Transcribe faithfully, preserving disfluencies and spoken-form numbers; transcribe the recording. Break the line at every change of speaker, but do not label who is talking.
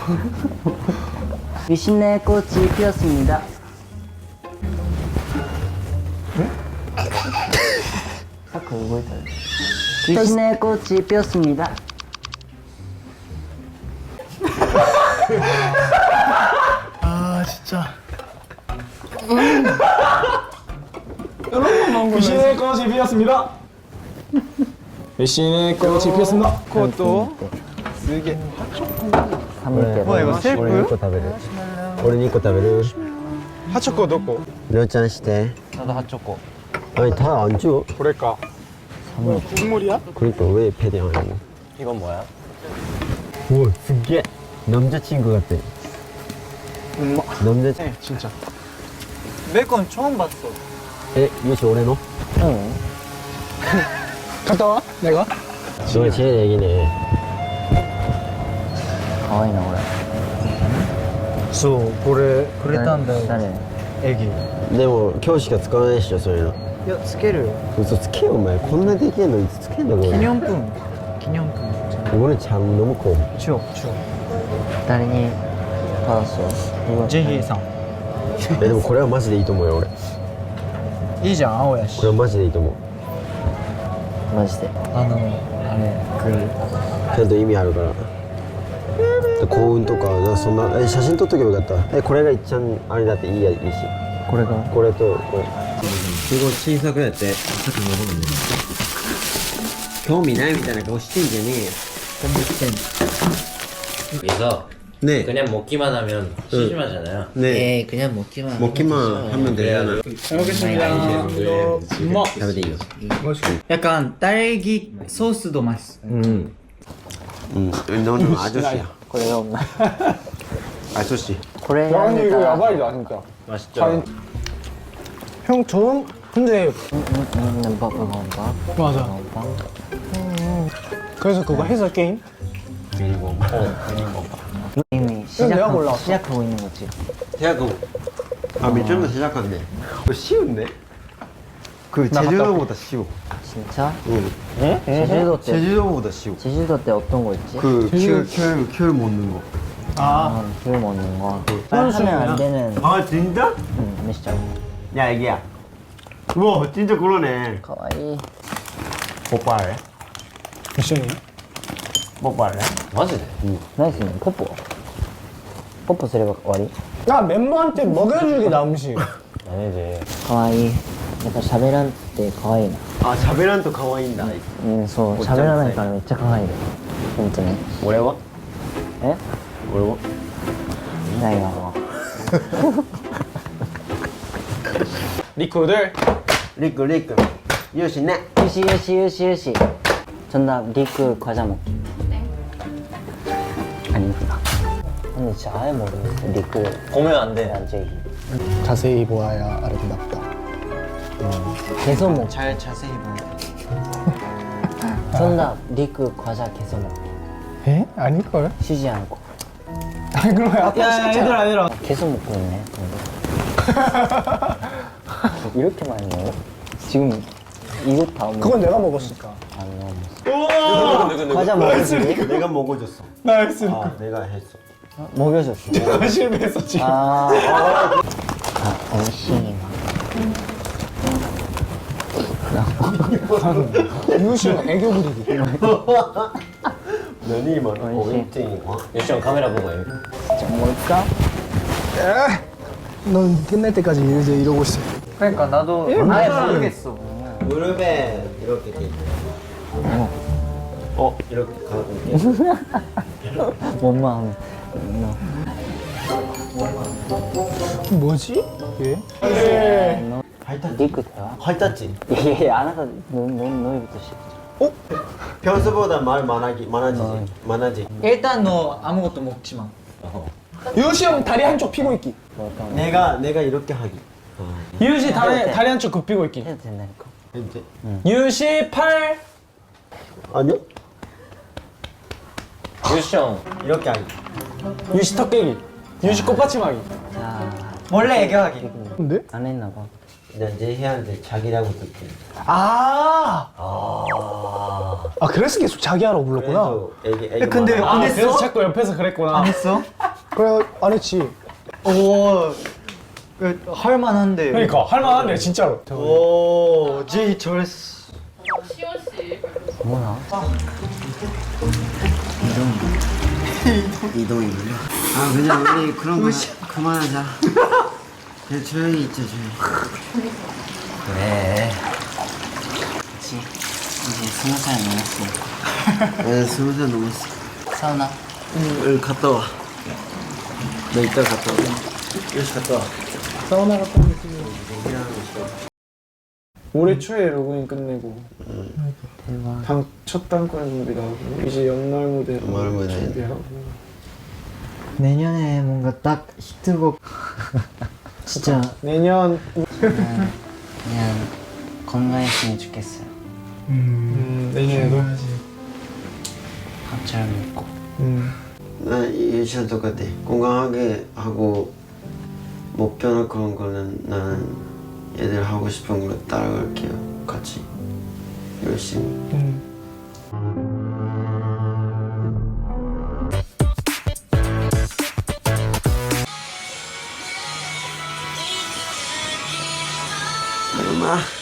위신의 꽃이 피었습니다. 아까 이거 했다. 위신의 꽃이 피었습니다.
아 진짜. 귀신의 꽃이 피었습니다. 귀신의 꽃이 피었습니다. 그것도 쓰게.
삼 일
이거 셀프?
俺にいっこ食べる俺にいっこ食べる
하초코 넣고.
りょうちゃんして
나도 핫초코.
아니 다 안 줘?
그럴까? 국물이야?
그러니까 왜 패딩 안 하고
이건 뭐야?
우와 스게 남자친구 같아 남자친구
네 진짜.
베이컨 처음 봤어.
에? 요시 올해노?
응.
갔다 와? 내가?
너가 제일 애기네
かわいいなこれ。
そうこれ
くれたんだよ。
誰？
애기。
でも今日しか使わないっしょそういうの
いやつけるよ。
嘘つけよお前こんなできんのいつつけんだこれ
기념품. 기념품.
이거는 장 너무 커
추억 추억.
誰にパーソン？
제희さん.
えでもこれはマジでいいと思うよ俺こ
いいじゃん青やし
れ。はマジでいいと思う
マジで。
あのあれく
ちゃんと意味あるから幸運とかなそんなえ写真撮っとけばよかったえこれが一番あれだっていいやいいし
これが。
これとこれすごい小さくやってさっきのものね興味ないみたいな顔してんじゃね
그래서
えよね
그냥 먹기만 하면 심심하잖아요.
えねえ
에이 그냥 먹기만.
먹기만 하면 되잖아
잘 먹겠습니다. 엄마.
食べていいよ
약간 딸기 소스도 맛있어.
응 응, 너는 아저씨야
これが女。
아저씨
これ
아니 이거
야
야바이다 진짜.
맛있죠?
형 전 근데
음, 밥 이거 밥.
맞아.
밥.
그래서 그거 해서 게임?
그리고
이미
내가
시작
골라왔어.
시작하고 있는 거지.
시작하고 아 밑줄도 시작한대 이거 쉬운데? 그 제주도보다 쉬워
진짜?
응
네? 제주도 때
제주도보다 쉬워
제주도 때 어떤 거 있지?
그큐큐큐 먹는 거
아.
아, 귤 먹는 거. 하면 안 되는.
아 진짜?
응, 메시장.
야 애기야 우와 진짜 그러네
가와이.
뽀뽀할래?
미션이야?
뽀뽀할래?
맞지?
나이스. 뽀뽀. 뽀뽀 すれば終わり?
나 멤버한테 먹여주기 나 음식.
아니지.
かわいい。やっぱ喋らんってかわいいな。
아 자베란도 가와이인다
うん、そう。喋らないからめっちゃかわいい。本当に。
올해와?
え
올해와?
ないわも
리쿠들.
리크 리크 요시네
う。よしよしよしよし。전나 리크 과자 먹기. 아니구나. 근데 진짜 아예 모르겠어. 리크
보면 안 돼.
완전히.
자세히 보아야 아름답다.
계속 먹.
잘 자세히 봐.
전나 리크 과자 계속 먹기.
에? 아닐걸?
쉬지 않고.
아니 그럼 아까
야 얘들아 얘들아.
계속 먹고 있네. 근데. 이렇게 많이 먹어? 지금 이거 다 먹.
그건 내가 먹었으니까.
안 먹었어. 과자 먹었지?
내가 먹어줬어
나 했으니까.
아 내가 했어
먹여줬어.
내가 실패했어 지금.
아. 아, 어이씨.
유시는 애교 부리기.
너니 뭐
어이씨.
고객증이고
유시형 카메라 보고 해.
진짜 뭘까?
넌 끝날 때까지 이제 이러고 있어.
그러니까 나도 아예 모르겠어.
무릎에 이렇게 돼 어. 어 이렇게 가고
뭔 마음?
뭐지? 얘?
활탔지?
리크 대화?
활탔지?
예, 안 하다 너, 너, 너희부터 시작.
평소보다 말 많아지 많아지지 많아지
일단 너 아무것도 먹지 마.
유시 형 다리 한쪽 피고 있기.
뭘까?
내가 내가 이렇게 하기
유시 다리 다리 한쪽 굽히고 있기.
해도 된다니까.
이제
유시 팔.
아니요
유시형
이렇게 하기
유시 턱 깨기. 유시 꽃받침하기.
자,
원래 애교하기.
근데?
안 했나 봐.
나 제희한테 자기라고 듣게
아.
아
아 그래서 계속 자기 하라고 불렀구나.
그래서 애기 애기
근데
많아.
아
안
그래서
했어?
자꾸 옆에서 그랬구나.
안 했어?
그래 안 했지.
오, 그, 할만한데.
그러니까 할만한데 진짜로.
오, 제이 잘했어.
시원 씨.
이동이군요. 아 그냥 우리 그런 거 그만하자. 그냥 조용히 있자 조용히.
그래. 그치. 이제 스무 살 넘었어.
네 스무 살 넘었어.
사우나?
응 여기 갔다 와. 너 이따 갔다 와. 여기 갔다 와.
사우나 갔다 오겠지. 올해 초에 로그인 끝내고 당, 첫 단권 준비도 하고 이제 연말 무대
연말 무대.
준비하고
내년에 뭔가 딱 히트곡. 진짜.
내년
그냥, 그냥 건강했으면 좋겠어요.
음, 내년에도
밥 잘 먹고.
음.
나 유치원 똑같아. 건강하게 하고 목표나 그런 거는 나는 얘들 하고 싶은 걸 따라갈게요. 같이 열심히.
음.
엄마.